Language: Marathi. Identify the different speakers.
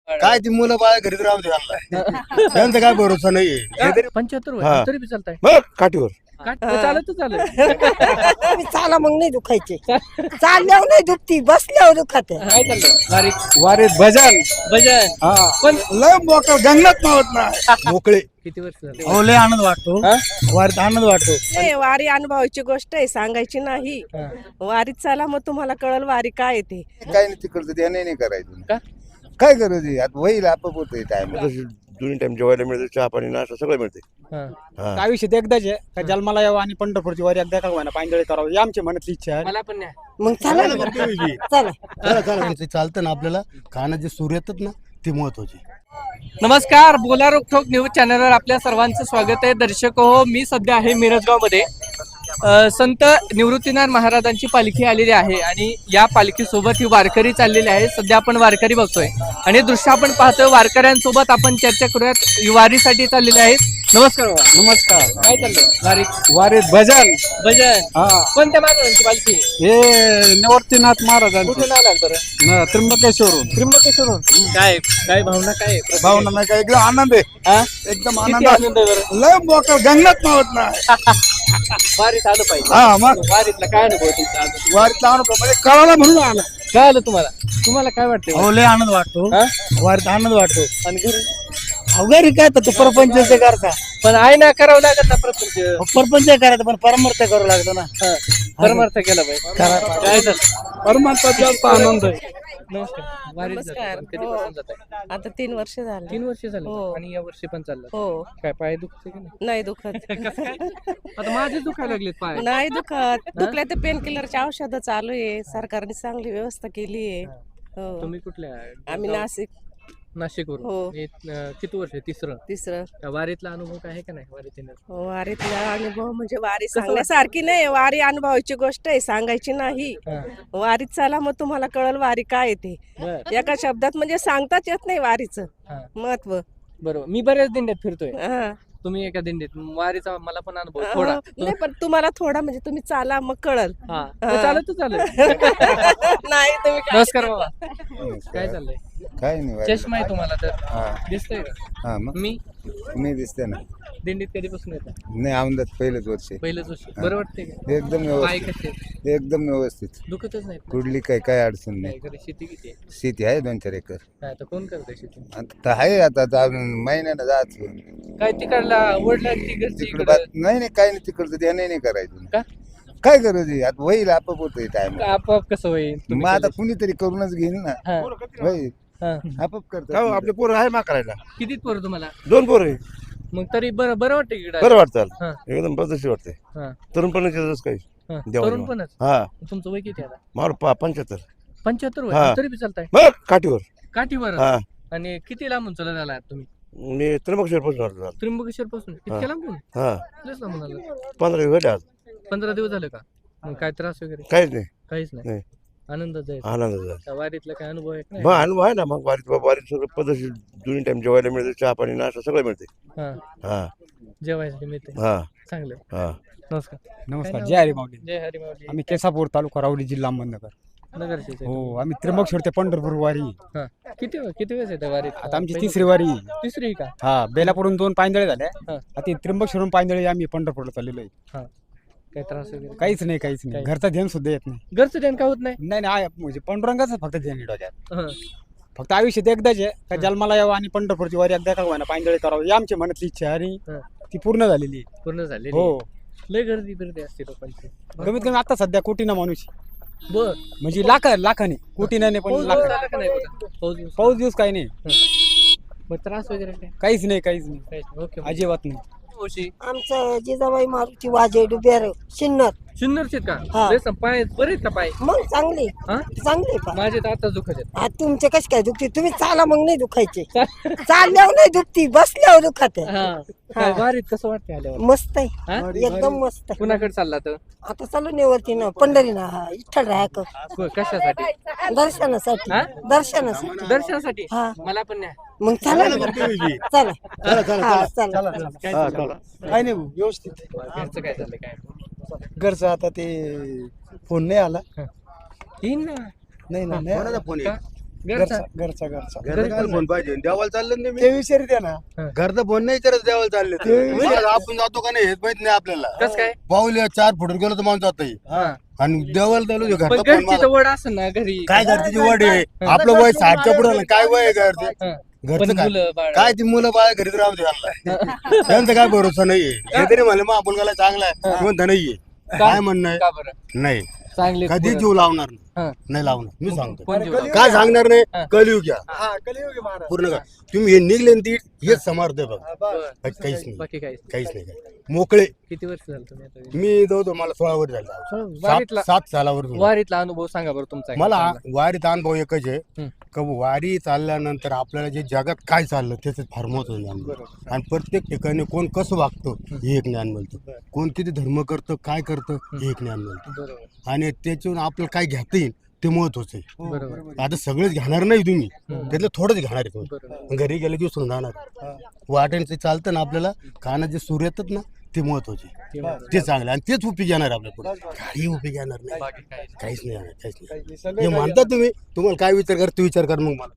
Speaker 1: काय ती मुलं बाळ घरीच राहू दे त्यांना. त्यांचा काय भरोसा नाहीये.
Speaker 2: 75
Speaker 1: हा.
Speaker 2: तरी बी चालताय
Speaker 1: बघ काठीवर
Speaker 2: चालत चालत
Speaker 3: मी चाला मग नाही दुखायचे चालल्यावर नाही दुखती बसल्यावर दुखते
Speaker 2: काय चाललंय बारीक
Speaker 1: वारीत भजन
Speaker 2: भजन
Speaker 1: हा
Speaker 2: पण
Speaker 1: लय मोकळ जंगलात मावत नाही मोकळे.
Speaker 2: किती वर्ष झाले
Speaker 1: हो लय आनंद वाटतो.
Speaker 2: हा?
Speaker 1: वारीत आनंद वाटतो.
Speaker 3: नाही वारी अनुभवाची गोष्ट आहे सांगायची नाही.
Speaker 2: हा.
Speaker 3: वारीत चाला मग तुम्हाला कळल वारी काय येते.
Speaker 4: काय नाही तिकडचं ते नाही करायचं
Speaker 2: का?
Speaker 4: काय गरज आहे आता होईल आपोआप होतंय टाइम
Speaker 1: दोन्ही टाइम जेवायला मिळते, चहा पाणी नाश्ता सगळं मिळते.
Speaker 2: हा.
Speaker 5: आयुष्यात एकदाच आहे का जन्माला यावं आणि पंढरपूरची वारी एकदा का होईना पायंदळी करावं ही आमची मनातली इच्छा आहे.
Speaker 2: मला पण नाही
Speaker 3: मग चला ना चला
Speaker 1: चला चला ते चालतं ना आपल्याला कानात जे सूर येतात ना ते महत्वाचे.
Speaker 2: नमस्कार, बोला रोकठोक न्यूज चॅनलवर आपल्या सर्वांचं स्वागत आहे. दर्शक हो, मी सध्या आहे मिरजगावमध्ये. संत निवृत्तीनाथ महाराजांची पालखी आलेली आहे आणि या पालखीसोबत ही वारकरी चाललेली आहे. सध्या आपण वारकरी बघतोय आणि दृश्य आपण पाहतोय. वारकऱ्यांसोबत आपण चर्चा करूयात. वारीसाठी चाललेले आहेत. नमस्कार बाबा.
Speaker 1: नमस्कार.
Speaker 2: काय चाललंय
Speaker 1: वारीत भजन
Speaker 2: भजन
Speaker 1: हा
Speaker 2: कोणत्या महाराजांची पालखी?
Speaker 1: हे निवृत्तीनाथ महाराजांचे
Speaker 2: कुठून आला बरं?
Speaker 1: त्र्यंबकेश्वरून.
Speaker 2: त्र्यंबकेश्वरून. काय काय भावना काय आहे?
Speaker 1: भावना नाही का एकदम आनंद आहे.
Speaker 2: हा?
Speaker 1: एकदम
Speaker 2: किती
Speaker 1: आनंद
Speaker 2: आनंद आहे बरं?
Speaker 1: लय मोकळ जंगलात मावत नाही.
Speaker 2: वारीत आलं पाहिजे.
Speaker 1: हा मग
Speaker 2: वारीतला काय अनुभव तुमचा अजून?
Speaker 1: वारीतला अनुभव म्हणजे कळाला म्हणून आला.
Speaker 2: काय आलं तुम्हाला? तुम्हाला काय वाटतंय?
Speaker 1: हो लय आनंद वाटतो.
Speaker 2: हा?
Speaker 1: वारीत आनंद वाटतो.
Speaker 2: आणि घरी?
Speaker 1: अवघड काय तर परपंच करता
Speaker 2: पण आहे ना, करावं लागत ना प्रपंच.
Speaker 1: परपंच करायचं पण परमार्थ करावं लागतं ना.
Speaker 2: हा. परमार्थ केला पाहिजे. काय झालं?
Speaker 1: परमार्थात जास्त आनंद आहे.
Speaker 2: नमस्कार. वारीत
Speaker 3: नमस्कार.
Speaker 2: जाताय. कधीपासून जाताय?
Speaker 3: आता 3 वर्ष झाले.
Speaker 2: 3 वर्ष झाले
Speaker 3: हो.
Speaker 2: आणि या वर्षी पण चाललं.
Speaker 3: हो
Speaker 2: काय पाय दुखते की नाही?
Speaker 3: नाही दुखत
Speaker 2: आता माझे दुखायला लागलेत पाय.
Speaker 3: नाही दुखत दुखल्या तर पेन किलरची औषधं चालू आहे. सरकारने चांगली व्यवस्था केली आहे. हो
Speaker 2: तुम्ही कुठल्या?
Speaker 3: आम्ही नाशिक
Speaker 2: नाशिकवरून.
Speaker 3: हो.
Speaker 2: हे, किती वर्ष? तिसरं.
Speaker 3: तिसरं
Speaker 2: त्या वारीतला अनुभव काय आहे का नाही? वारीत येण्याचा?
Speaker 3: हो, वारीतला अनुभव म्हणजे वारी सांगण्यासारखी नाही. वारी अनुभवाची गोष्ट आहे सांगायची नाही.
Speaker 2: हा.
Speaker 3: वारीत चाला मग तुम्हाला कळल वारी काय येते.
Speaker 2: बरं.
Speaker 3: एका शब्दात म्हणजे सांगताच येत नाही वारीचं
Speaker 2: हा.
Speaker 3: महत्व.
Speaker 2: बरोबर. मी बऱ्याच दिंड्यात फिरतोय.
Speaker 3: हा.
Speaker 2: तुम्ही एका दिंडीत. वारीचा मला पण अनुभव थोडा.
Speaker 3: हो, नाही पण तुम्हाला थोडा म्हणजे तुम्ही चाला मग कळल.
Speaker 2: हा.
Speaker 3: हा.
Speaker 2: चालत चालत.
Speaker 3: नाही तुम्ही काय-
Speaker 2: नमस्कार बाबा. काय चाललंय?
Speaker 4: काय नाही वारीला.
Speaker 2: चष्मा आहे तुम्हाला तर
Speaker 4: हा
Speaker 2: दिसतंय का?
Speaker 4: हा मग
Speaker 2: मी
Speaker 4: नाही दिसते ना.
Speaker 2: दिंडीत कधीपासून येतात?
Speaker 4: नाही आमदार पहिलंच वर्ष आहे.
Speaker 2: पहिलंच वर्ष. बरं वाटतंय का?
Speaker 4: एकदम
Speaker 2: पाय
Speaker 4: व्यवस्थित
Speaker 2: कसे आहेत?
Speaker 4: एकदम व्यवस्थित
Speaker 2: दुखतच नाहीत ना?
Speaker 4: कुठली काय अडचण
Speaker 2: काय
Speaker 4: नाही.
Speaker 2: घरी शेती किती आहे?
Speaker 4: शेती आहे 2-4 एकर.
Speaker 2: काय आता कोण करतंय शेती?
Speaker 4: आता आहे आता अजून महिन्यानं जायचं
Speaker 2: काय तिकडला वडला ती घरची
Speaker 4: तिकडे
Speaker 2: इकडं?
Speaker 4: नाही काय नाही तिकडचं ते नाही करायचं.
Speaker 2: का?
Speaker 4: काय गरज आहे आता होईल आपोआप होतंय टाइम.
Speaker 2: का आपोआप कसं होईल? तुम्ही
Speaker 4: मग आता
Speaker 2: केलं?
Speaker 4: कुणीतरी करूनच घेईन ना.
Speaker 2: हा.
Speaker 4: होईल
Speaker 2: हा.
Speaker 4: आपोआप करतात.
Speaker 1: आपले पोरं आहे मा करायला.
Speaker 2: कितीत पोरं तुम्हाला?
Speaker 1: 2 पोरं आहे.
Speaker 2: मग तरी बरं बरं वाटतं इकडं?
Speaker 1: बरं वाटतं.
Speaker 2: हा.
Speaker 1: एकदम बदलशी वाटते.
Speaker 2: हा.
Speaker 1: तरुणपणाचे काही
Speaker 2: हा.
Speaker 1: देवा
Speaker 2: तरुण
Speaker 1: देवा.
Speaker 2: पणच.
Speaker 1: हा
Speaker 2: तुमचं वय किती आता?
Speaker 1: मार 75.
Speaker 2: 75
Speaker 1: हा.
Speaker 2: वय तरी बी चालताय
Speaker 1: बघ काठीवर.
Speaker 2: काठीवर.
Speaker 1: हा
Speaker 2: आणि किती लांबून चालत आला तुम्ही?
Speaker 1: मी त्र्यंबकेश्वर पासून आलो.
Speaker 2: त्र्यंबकेश्वर पासून इतक्या लांबून?
Speaker 1: हा
Speaker 2: लयच लांबून आलं.
Speaker 1: 15 दिवस झाले आज.
Speaker 2: 15 दिवस झाले का? मग काय त्रास वगैरे?
Speaker 1: काहीच नाही.
Speaker 2: काहीच नाही.
Speaker 1: नाही.
Speaker 2: आनंदात जायचं.
Speaker 1: आनंद झाला.
Speaker 2: त्या वारीतला काय अनुभव आहे का
Speaker 1: मग
Speaker 2: नाही?
Speaker 1: अनुभव आहे ना. मग वारीत सगळं पद्धतशीर दोन्ही टाइम जेवायला मिळते, चहा पाणी नाश्ता सगळं मिळते.
Speaker 2: हा.
Speaker 1: हा
Speaker 2: जेवायसाठी मिळते.
Speaker 1: हा
Speaker 2: चांगलं.
Speaker 1: हा
Speaker 2: नमस्कार.
Speaker 5: नमस्कार.
Speaker 2: काय
Speaker 5: जय हरी माऊली.
Speaker 2: जय हरी माऊली.
Speaker 5: आम्ही केसापूर तालुका राहुरी जिल्हा अहमदनगर.
Speaker 2: नगरचे.
Speaker 5: हो आम्ही त्र्यंबकेश्वर ते पंढरपूर वारी.
Speaker 2: हा. किती वेळेस येतं वारीत?
Speaker 5: आता आमची
Speaker 2: पहिली-
Speaker 5: 3री वारी.
Speaker 2: तिसरी का?
Speaker 5: हा बेलापूरून 2 पायंदळे झाल्या.
Speaker 2: हा.
Speaker 5: आता त्र्यंबकेश्वरून पायंदळे आम्ही पंढरपूरला चाललेलो आहे.
Speaker 2: हा. काय त्रास वगैरे?
Speaker 5: काहीच नाही.
Speaker 2: काही.
Speaker 5: घरचा ध्यान सुद्धा येत नाही.
Speaker 2: घरचं ध्यान का होत नाही?
Speaker 5: नाही म्हणजे पांडुरंगाचं फक्त ध्यान आहे डोक्यात.
Speaker 2: हा.
Speaker 5: फक्त आयुष्यात एकदाच आहे का जन्माला यावं आणि पंढरपूरची वारी एकदा का होईना पायंदळी करावं ही आमची मनातली इच्छा आहे आणि
Speaker 2: हा.
Speaker 5: ती पूर्ण झालेली आहे.
Speaker 2: पूर्ण झाले.
Speaker 5: हो
Speaker 2: लय गर्दी बिर्दी असते लोकांची.
Speaker 5: कमीत कमी आता सध्या कोटीना माणूस
Speaker 2: बर.
Speaker 5: म्हणजे लाखाने कोटीना नाही पण
Speaker 2: पाऊस
Speaker 5: लाख.
Speaker 2: झाला का नाही बघा? पाऊस बिऊस?
Speaker 5: पाऊस दिवस काही नाही.
Speaker 2: मग त्रास वगैरे काय?
Speaker 5: काहीच नाही
Speaker 2: काहीच नाही. ओके.
Speaker 5: अजिबात नाही.
Speaker 2: मावशी
Speaker 3: आमचं जिजाबाई मारुती वाजे डुबेर शिन्नर.
Speaker 2: सुंदरचे का?
Speaker 3: हा.
Speaker 2: लय पाय बरे आहेत का पाय?
Speaker 3: मग चांगली
Speaker 2: हा?
Speaker 3: चांगली पा
Speaker 2: माझे तर आता दुखत आहेत.
Speaker 3: आ, तुमचे कसे काय दुखते तुम्ही चाला मग नाही दुखायचे चालल्यावर नाही दुखती बसल्यावर दुखते.
Speaker 2: हा. काय वारीत कसं वाटते आल्यावर?
Speaker 3: मस्त आहे
Speaker 2: हा?
Speaker 3: एकदम मस्त आहे.
Speaker 2: कुणाकडे चालला तर?
Speaker 3: आता चालू नेवरती ना पंढरी ना इठ्ठल राहक
Speaker 2: कशासाठी?
Speaker 3: दर्शनासाठी
Speaker 2: हा?
Speaker 3: दर्शनासाठी
Speaker 2: दर्शनासाठी.
Speaker 3: हा.
Speaker 2: मला पण नाही.
Speaker 3: मग चला ना चला हा, चला
Speaker 2: काय
Speaker 1: हा,
Speaker 2: चाललंय?
Speaker 1: चला.
Speaker 5: काही नाही भाऊ, व्यवस्थित.
Speaker 2: घरचं काय चाललंय काय?
Speaker 5: घरचं आता ते फोन नाही आला.
Speaker 2: येईन ना.
Speaker 5: नाही
Speaker 1: कोणाचा फोन
Speaker 2: का?
Speaker 1: आहे?
Speaker 2: घरचा
Speaker 5: घरचा
Speaker 6: घरचा फोन पाहिजे देवाला चाललं ना
Speaker 5: ते विचारते ना
Speaker 6: घरचा फोन नाही विचारत देवाला चालले आपण जातो का नाही हेच माहित नाही आपल्याला
Speaker 2: कस काय
Speaker 6: पाऊल 4 फुट गेलो तर माणूस जात
Speaker 2: हा.
Speaker 6: आणि देवाला चालू
Speaker 2: पण
Speaker 6: घरचा फोन
Speaker 2: घरची
Speaker 6: मागा.
Speaker 2: तर वड असेल ना घरी
Speaker 6: काय घरची वड आहे आपलं वय 60च्या पुढे काय वय आहे घरचे
Speaker 2: हा. पण
Speaker 6: घरचं काय
Speaker 2: मुलं बाळ
Speaker 6: काय ती मुलं बाळ घरीच राहू दे त्यांना त्यांचा काय भरोसा नाहीये हे तरी म्हणलं मग आपण चांगला आहे म्हणता नाहीये काय म्हणणं आहे
Speaker 2: का बरं
Speaker 6: नाही
Speaker 2: चांगले
Speaker 6: कधी जीव लावणार
Speaker 2: हा.
Speaker 6: नाही लावणार मी सांगतो
Speaker 2: कोण जीव लावणार?
Speaker 6: काय सांगणार
Speaker 2: हा.
Speaker 6: नाही कलियुग घ्या पूर्ण का तुम्ही हे निघले ना ती हेच समर्थ आहे बघा
Speaker 2: बरं.
Speaker 6: काहीच नाही
Speaker 2: बाकी काय
Speaker 6: काहीच नाही काय मोकळे
Speaker 2: किती वर्ष झालं तुम्ही आता?
Speaker 6: मी जवळ मला 16 वर झाला
Speaker 2: वारीतला
Speaker 6: 7 सालावर झालो.
Speaker 2: वारीतला अनुभव सांगा बरं तुमचा
Speaker 6: मला वारीत अनुभव एकच आहे
Speaker 2: हं.
Speaker 6: का वारी चालल्यानंतर आपल्याला जे जगात काय चाललं त्याचं फार महत्व ज्ञान मिळतं. आणि प्रत्येक ठिकाणी कोण कसं वागतं हे एक ज्ञान मिळतं कोण किती धर्म करतं काय करतं हे एक ज्ञान मिळतं
Speaker 2: बरोबर
Speaker 6: आणि त्याच्यातून आपल्याला काय घेता येईल ते महत्वाचं आहे
Speaker 2: बरोबर
Speaker 6: आता सगळेच घेणार नाही तुम्ही त्यातलं थोडंच घेणार आहे तुम्ही
Speaker 2: बरोबर
Speaker 6: घरी गेलं की विसरून जाणार वाटेचं चालतं ना आपल्याला कानात जे सूर येतात ना ते महत्वाचे ते चांगलं आणि तेच उपयोग येणार आपल्या पुढे काही उपयोग येणार नाही
Speaker 2: बाकी काय
Speaker 6: काहीच नाही येणार काहीच नाही हे म्हणता तुम्ही तुम्हाला काय विचार कर ते विचार कर मग मला